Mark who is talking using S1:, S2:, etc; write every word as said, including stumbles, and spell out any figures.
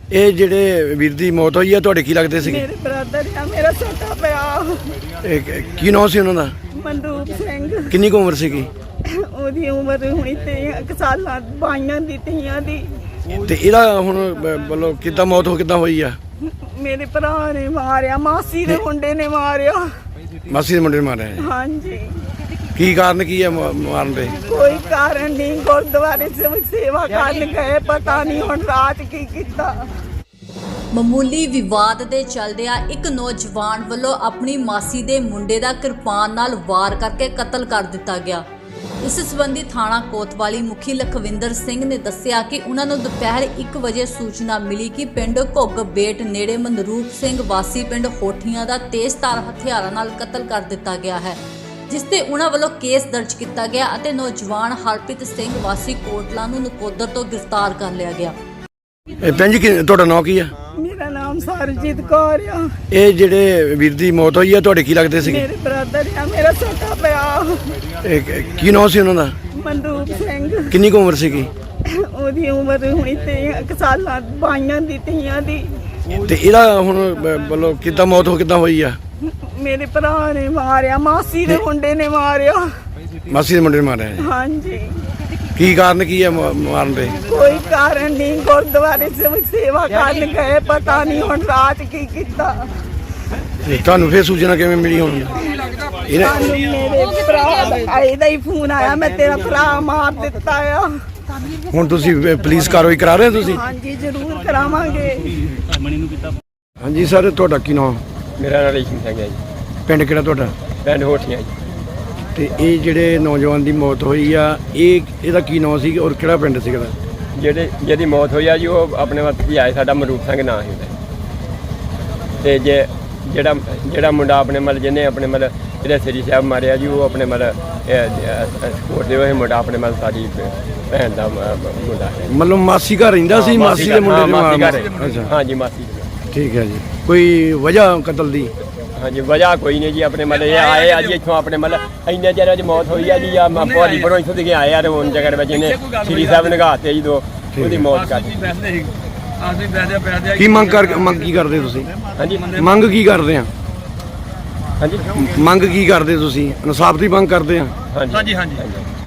S1: ਇਹ ਜਿਹੜੇ ਵੀਰ ਦੀ ਮੌਤ ਹੋਈ ਆ ਤੁਹਾਡੇ ਕੀ ਲੱਗਦੇ ਸੀਗੇ?
S2: ਮੇਰੇ ਬ੍ਰਦਰ ਆ, ਮੇਰਾ ਛੋਟਾ ਪਿਆ।
S1: ਇਹ ਕ- ਕੀ ਨਾਮ ਸੀ ਉਹਨਾਂ ਦਾ?
S2: ਮਨਰੂਪ ਸਿੰਘ।
S1: ਕਿੰਨੀ ਕੁ ਉਮਰ ਸੀਗੀ?
S2: ਉਹਦੀ ਉਮਰ ਹੁਣੀ ਤੇ ਸਾਲਾਂ ਬਾਈਆਂ ਦੀ ਤੀਆਂ ਦੀ।
S1: ਤੇ ਇਹਦਾ ਹੁਣ ਮਤਲਬ ਕਿੱਦਾਂ ਮੌਤ ਹੋ ਕਿੱਦਾਂ ਹੋਈ ਆ?
S2: ਮੇਰੇ ਭਰਾ ਨੇ ਮਾਰਿਆ, ਮਾਸੀ ਦੇ ਮੁੰਡੇ ਨੇ ਮਾਰਿਆ।
S1: ਮਾਸੀ ਦੇ ਮੁੰਡੇ ਨੇ ਮਾਰਿਆ।
S2: ਹਾਂਜੀ।
S1: ਕੀ ਕਾਰਨ ਕੀ ਆ ਮ- ਮਾਰਨ ਦੇ?
S2: ਕੋਈ ਕਾਰਨ ਨਹੀਂ, ਗੁਰਦੁਆਰੇ ਸੇ ਸੇਵਾ ਕਰਨ ਗਏ, ਪਤਾ ਨਹੀਂ ਹੁਣ ਰਾਤ ਕੀ ਕੀਤਾ।
S3: ਮਾਮੂਲੀ ਵਿਵਾਦ ਦੇ ਚੱਲਦਿਆਂ ਇੱਕ ਨੌਜਵਾਨ ਵੱਲੋਂ ਆਪਣੀ ਮਾਸੀ ਦੇ ਮੁੰਡੇ ਦਾ ਕਿਰਪਾਨ ਨਾਲ ਵਾਰ ਕਰਕੇ ਕਤਲ ਕਰ ਦਿੱਤਾ ਗਿਆ। ਇਸ ਸੰਬੰਧੀ ਥਾਣਾ ਕੋਤਵਾਲੀ ਮੁਖੀ ਲਖਵਿੰਦਰ ਸਿੰਘ ਨੇ ਦੱਸਿਆ ਕਿ ਉਹਨਾਂ ਨੂੰ ਦੁਪਹਿਰ ਇੱਕ ਵਜੇ ਸੂਚਨਾ ਮਿਲੀ ਕਿ ਪਿੰਡ ਘੁੱਗ ਬੇਟ ਨੇੜੇ ਮਨਰੂਪ ਸਿੰਘ ਵਾਸੀ ਪਿੰਡ ਹੋਠੀਆਂ ਦਾ ਤੇਜ਼ਧਾਰ ਹਥਿਆਰਾਂ ਨਾਲ ਕਤਲ ਕਰ ਦਿੱਤਾ ਗਿਆ ਹੈ, ਜਿਸ ਤੇ ਉਹਨਾਂ ਵੱਲੋਂ ਕੇਸ ਦਰਜ ਕੀਤਾ ਗਿਆ ਅਤੇ ਨੌਜਵਾਨ ਹਰਪ੍ਰੀਤ ਸਿੰਘ ਵਾਸੀ ਕੋਟਲਾ ਨੂੰ ਨਕੋਦਰ ਤੋਂ ਗ੍ਰਿਫਤਾਰ ਕਰ ਲਿਆ ਗਿਆ।
S1: ਇਹ ਭੈਣ ਜੀ ਕੀ- ਤੁਹਾਡਾ ਨਾਂ ਕੀ ਆ?
S2: ਮੇਰਾ ਨਾਮ ਸਰਜੀਤ ਕੌਰ ਆ।
S1: ਇਹ ਜਿਹੜੇ ਵੀਰ ਦੀ ਮੌਤ ਹੋਈ ਆ ਤੁਹਾਡੇ ਕੀ ਲੱਗਦੇ ਸੀਗੇ?
S2: ਮੇਰੇ ਬ੍ਰਦਰ ਆ, ਮੇਰਾ ਛੋਟਾ ਪਿਆ।
S1: ਇਹ ਕ- ਕੀ ਨਾਮ ਸੀ ਉਹਨਾਂ ਦਾ?
S2: ਮਨਰੂਪ ਸਿੰਘ।
S1: ਕਿੰਨੀ ਕੁ ਉਮਰ ਸੀਗੀ?
S2: ਉਹਦੀ ਉਮਰ ਹੁਣੀ ਤੇ ਸਾਲਾਂ ਬਾਈਆਂ ਦੀ ਤੀਆਂ ਦੀ।
S1: ਤੇ ਇਹਦਾ ਹੁਣ ਮਤਲਬ ਕਿੱਦਾਂ ਮੌਤ ਹੋ ਕਿੱਦਾਂ ਹੋਈ ਆ?
S2: ਮੇਰੇ ਭਰਾ ਨੇ ਮਾਰਿਆ, ਮਾਸੀ ਦੇ ਮੁੰਡੇ ਨੇ ਮਾਰਿਆ।
S1: ਮਾਸੀ ਦੇ ਮੁੰਡੇ ਨੇ ਮਾਰਿਆ।
S2: ਹਾਂਜੀ।
S1: ਕੀ ਕਾਰਨ ਕੀ ਆ ਮ- ਮਾਰਨ ਦੇ?
S2: ਕੋਈ ਕਾਰਨ ਨਹੀਂ, ਗੁਰਦੁਆਰੇ ਸੇ ਸੇਵਾ ਕਰਨ ਗਏ, ਪਤਾ ਨਹੀਂ ਹੁਣ ਰਾਤ ਕੀ ਕੀਤਾ।
S1: ਤੇ ਤੁਹਾਨੂੰ ਫੇਰ ਸੂਚਨਾ ਕਿਵੇਂ ਮਿਲੀ ਹੁਣ? ਇਹਨੇ
S2: ਸਾਨੂੰ ਮੇਰੇ ਭਰਾ ਦਾ ਇਹਦਾ ਹੀ ਫੋਨ ਆਇਆ, ਮੈਂ ਤੇਰਾ ਭਰਾ ਮਾਰ ਦਿੱਤਾ ਆ।
S1: ਹੁਣ ਤੁਸੀਂ ਪੁਲਿਸ ਕਾਰਵਾਈ ਕਰਾ ਰਹੇ ਹੋ ਤੁਸੀਂ?
S2: ਹਾਂਜੀ, ਜ਼ਰੂਰ ਕਰਾਵਾਂਗੇ।
S1: ਹਾਂਜੀ ਸਰ, ਤੁਹਾਡਾ ਕੀ ਨਾਮ?
S4: ਮੇਰਾ ਨਾਮ ਰੇਸ਼ਮ ਸਿੰਘ ਹੈ ਜੀ,
S1: ਪਿੰਡ ਕਿਹੜਾ ਤੁਹਾਡਾ?
S4: ਪਿੰਡ ਹੋਠੀਆਂ ਜੀ।
S1: ਤੇ ਇਹ ਜਿਹੜੇ ਨੌਜਵਾਨ ਦੀ ਮੌਤ ਹੋਈ ਆ, ਇਹ ਇਹਦਾ ਕੀ ਨਾਮ ਸੀ ਔਰ ਕਿਹੜਾ ਪਿੰਡ ਸੀਗਾ?
S4: ਜਿਹੜੇ ਜਿਹਦੀ ਮੌਤ ਹੋਈ ਆ ਜੀ, ਉਹ ਆਪਣੇ ਵੱਤ ਹੀ ਆਏ, ਸਾਡਾ ਮਰੂਪ ਸਿੰਘ ਨਾਂ ਸੀ ਉਹਦਾ। ਤੇ ਜੇ ਜਿਹੜਾ ਜਿਹੜਾ ਮੁੰਡਾ ਆਪਣੇ ਮਤਲਬ ਜਿਹਨੇ ਆਪਣੇ ਮਤਲਬ ਜਿਹੜੇ ਸ੍ਰੀ ਸਾਹਿਬ ਮਾਰਿਆ ਜੀ, ਉਹ ਆਪਣੇ ਮਤਲਬ ਸਪੋਰਟ ਦੇ ਉਹ ਮੁੰਡਾ ਆਪਣੇ ਮਤਲਬ ਸਾਡੀ ਭੈਣ ਦਾ ਮ- ਮੁੰਡਾ ਹੈ।
S1: ਮਤਲਬ ਮਾਸੀ ਘਰ ਰਹਿੰਦਾ ਸੀ? ਮਾਸੀ ਦੇ ਮੁੰਡੇ
S4: ਹਾਂ,
S1: ਨੇ
S4: ਮਾਸੀ
S1: ਮਾਰਿਆ।
S4: ਘਰ।
S1: ਅੱਛਾ,
S4: ਹਾਂ ਜੀ, ਮਾਸੀ ਘਰ।
S1: ਠੀਕ ਹੈ ਜੀ। ਕੋਈ ਵਜ੍ਹਾ ਕਤਲ ਦੀ?
S4: ਹਾਂਜੀ, ਵਜ੍ਹਾ ਕੋਈ ਨਹੀਂ ਜੀ, ਆਪਣੇ ਮਤਲਬ ਇਹ ਆਏ ਆ ਜੀ ਇੱਥੋਂ, ਆਪਣੇ ਮਤਲਬ ਇੰਨੇ ਚਿਰ ਅੱਜ ਮੌਤ ਹੋਈ ਆ ਜੀ। ਆ ਭਾਰੀ ਪਰੋਂ ਇੱਥੋਂ ਦੇ ਆਏ ਆ ਤੇ ਹੁਣ ਜਗ੍ਹਾ ਵਿੱਚ ਇਹਨੇ ਸ੍ਰੀ ਸਾਹਿਬ ਨਗਾਤੇ ਜੀ, ਦੋ ਉਹਦੀ ਮੌਤ ਕਰ ਦਿੱਤੀ।
S1: ਕੀ ਮੰਗ ਕਰ ਮੰਗ ਕੀ ਕਰਦੇ ਤੁਸੀਂ?
S4: ਹਾਂਜੀ
S1: ਮੰਗ ਕੀ ਕਰਦੇ ਆ?
S4: ਹਾਂਜੀ
S1: ਮੰਗ ਕੀ ਕਰਦੇ ਤੁਸੀਂ? ਇਨਸਾਫ ਦੀ ਮੰਗ ਕਰਦੇ ਆ?
S4: ਹਾਂਜੀ ਹਾਂਜੀ।